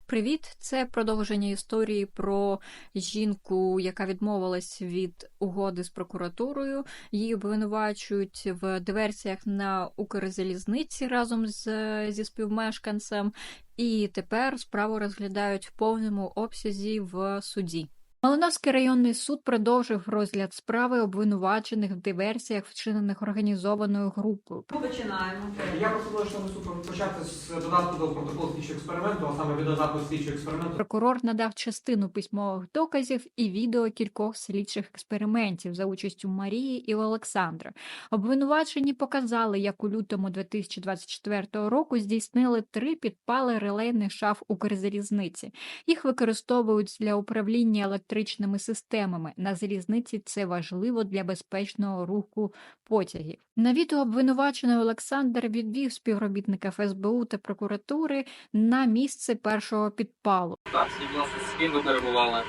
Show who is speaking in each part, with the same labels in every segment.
Speaker 1: Привіт! Це продовження історії про жінку, яка відмовилась від угоди з прокуратурою. Її обвинувачують в диверсіях на Укрзалізниці разом зі співмешканцем. І тепер справу розглядають в повному обсязі в суді. Малиновський районний суд продовжив розгляд справи обвинувачених в диверсіях, вчинених організованою групою.
Speaker 2: Ми починаємо.
Speaker 3: Я пропоную, що ми суд почати з додатку до протоколу слідчого експерименту, а саме від додатку слідчого експерименту.
Speaker 1: Прокурор надав частину письмових доказів і відео кількох слідчих експериментів за участю Марії і Олександра. Обвинувачені показали, як у лютому 2024 року здійснили 3 підпали релейних шаф Укрзалізниці. Їх використовують для управління електричними системами. На залізниці це важливо для безпечного руху потягів. На відео обвинувачений Олександр відвів співробітника ФСБУ та прокуратури на місце першого підпалу.
Speaker 4: Так, скажіть, будь ласка, з ким ви перебували?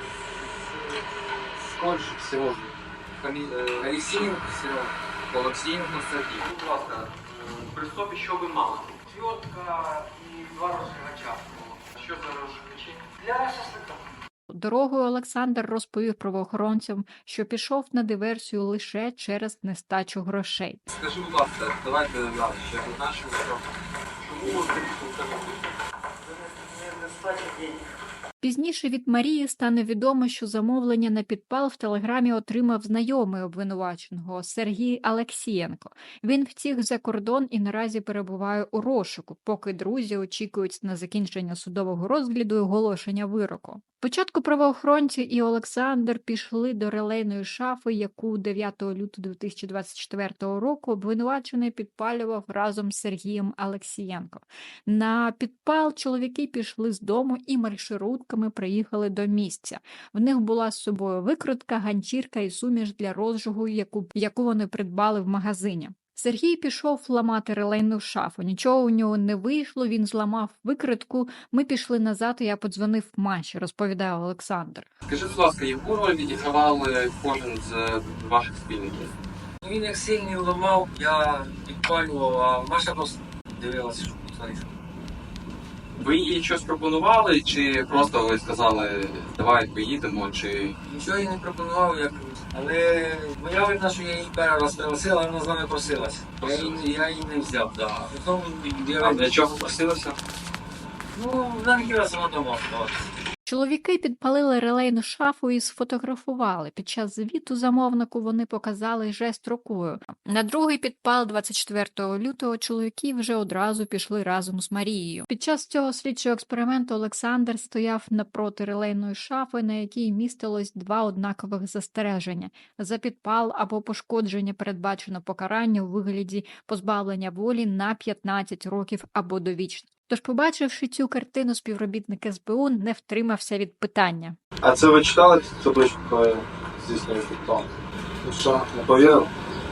Speaker 4: З Польщі, Сережі. Олексієнко, Сережа. Олексієнко, Сергій. Будь ласка, при собі що ви мали?
Speaker 2: Отвертка і 2 розжигача.
Speaker 4: Що за розжигачі?
Speaker 2: Для шашлика.
Speaker 1: Дорогою Олександр розповів правоохоронцям, що пішов на диверсію лише через нестачу грошей.
Speaker 4: Скажи, будь ласка, давайте далі, ще нашому трохи. Чому ви прийшли?
Speaker 2: Нестача денег.
Speaker 1: Пізніше від Марії стане відомо, що замовлення на підпал в телеграмі отримав знайомий обвинуваченого Сергій Алексієнко. Він втік за кордон і наразі перебуває у розшуку, поки друзі очікують на закінчення судового розгляду і оголошення вироку. Спочатку правоохоронці і Олександр пішли до релейної шафи, яку 9 лютого 2024 року обвинувачений підпалював разом з Сергієм Алексієнко. На підпал чоловіки пішли з дому і маршрутками приїхали до місця. В них була з собою викрутка, ганчірка і суміш для розжигу, яку вони придбали в магазині. Сергій пішов ламати релейну шафу. Нічого у нього не вийшло, він зламав викритку. Ми пішли назад, і я подзвонив Маші, розповідає Олександр.
Speaker 4: Скажи, будь ласка, яку роль відігравав кожен з ваших спільників?
Speaker 5: Він як сильний ламав, я підпалював, а Маша просто дивилася, що твориться.
Speaker 4: Ви їй щось пропонували, чи просто ви сказали, давай поїдемо, чи...
Speaker 5: Нічого їй не пропонував, але моя вина, що я її перший раз пригласила, вона з нами просилась. Я її не взяв, да. Потім
Speaker 4: А для чого просилися?
Speaker 5: ну, вона не хотіла сама дома оставатися.
Speaker 1: Чоловіки підпалили релейну шафу і сфотографували. Під час звіту замовнику вони показали жест рукою. На другий підпал 24 лютого чоловіки вже одразу пішли разом з Марією. Під час цього слідчого експерименту Олександр стояв напроти релейної шафи, на якій містилось 2 однакових застереження. За підпал або пошкодження передбачено покарання у вигляді позбавлення волі на 15 років або довічно. Тож, побачивши цю картину, співробітник СБУ не втримався від питання.
Speaker 6: А це ви читали цю табличку, коли здійснює підпал? Ну що, не повірив?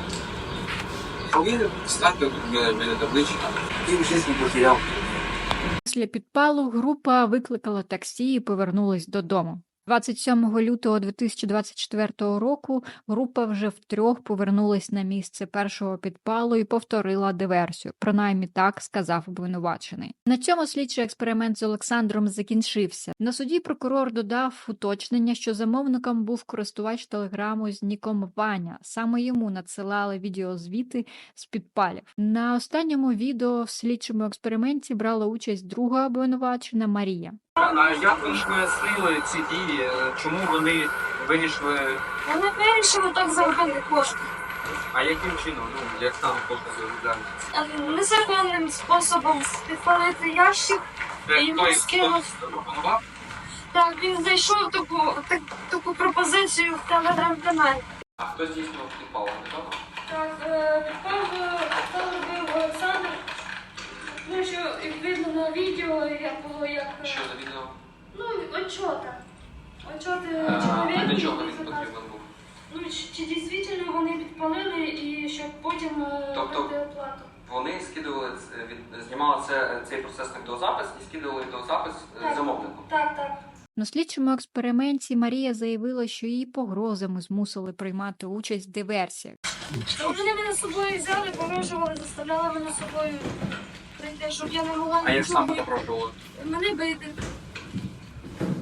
Speaker 4: Повірив, станьте біля таблички.
Speaker 5: Він щось не потеряв.
Speaker 1: Після підпалу група викликала таксі і повернулась додому. 27 лютого 2024 року група вже втрьох повернулась на місце першого підпалу і повторила диверсію. Принаймні так сказав обвинувачений. На цьому слідчий експеримент з Олександром закінчився. На суді прокурор додав уточнення, що замовником був користувач телеграму з ніком Ваня. Саме йому надсилали відеозвіти з підпалів. На останньому відео в слідчому експерименті брала участь друга обвинувачена Марія.
Speaker 4: А як ви ж пояснили ці дії? Чому вони вирішили?
Speaker 7: Вони вирішили так заробити кошти.
Speaker 4: А яким чином? Ну, як саме кошти заробляють?
Speaker 7: Незаконним способом підпалити ящик і йому скинув.
Speaker 4: Пропонував?
Speaker 7: Так, він знайшов таку пропозицію в телеграм-каналі.
Speaker 4: А хто здійснював підпал? Невідомо?
Speaker 7: Так, підпал робив Олександр. Ну, що, як видно на відео, як було як...
Speaker 4: Що за відео?
Speaker 7: Ну, отчота. Отчоти
Speaker 4: А
Speaker 7: чоловіка.
Speaker 4: для чого він потрібен був?
Speaker 7: Ну, чи дійсно вони підпалили і щоб потім
Speaker 4: Тобто-
Speaker 7: дати оплату.
Speaker 4: Вони скидували, знімали цей процес на відеозапис і скидували відеозапис
Speaker 7: Так.
Speaker 4: замовнику.
Speaker 7: Так.
Speaker 1: На слідчому експерименті Марія заявила, що її погрозами змусили приймати участь в диверсіях.
Speaker 7: Вони мене з собою взяли, погрожували, заставляли мене з собою прийти, щоб я не могла
Speaker 4: А як саме
Speaker 7: нічого.
Speaker 4: запрошували?
Speaker 7: Мене бити.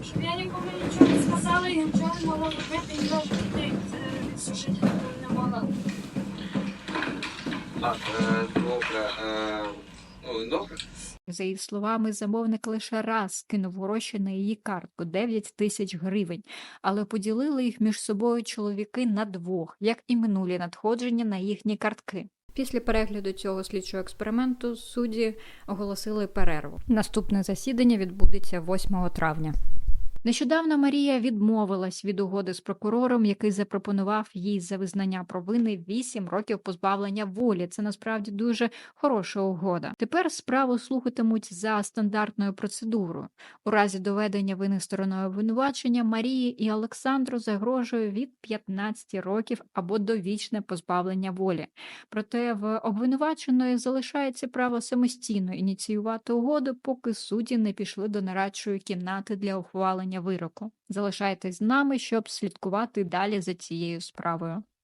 Speaker 7: Щоб я нікому нічого не сказала і нічого не могла робити, і навіть дітей відсушити не могла.
Speaker 4: Так, добре. Ну, добре.
Speaker 1: За її словами, замовник лише раз кинув гроші на її картку – 9 тисяч гривень, але поділили їх між собою чоловіки на двох, як і минулі надходження на їхні картки. Після перегляду цього слідчого експерименту судді оголосили перерву. Наступне засідання відбудеться 8 травня. Нещодавно Марія відмовилась від угоди з прокурором, який запропонував їй за визнання провини 8 років позбавлення волі. Це насправді дуже хороша угода. Тепер справу слухатимуть за стандартною процедурою. У разі доведення вини стороною обвинувачення Марії і Олександру загрожує від 15 років або довічне позбавлення волі. Проте в обвинуваченої залишається право самостійно ініціювати угоду, поки судді не пішли до нарадчої кімнати для ухвалення вироку. Залишайтесь з нами, щоб слідкувати далі за цією справою.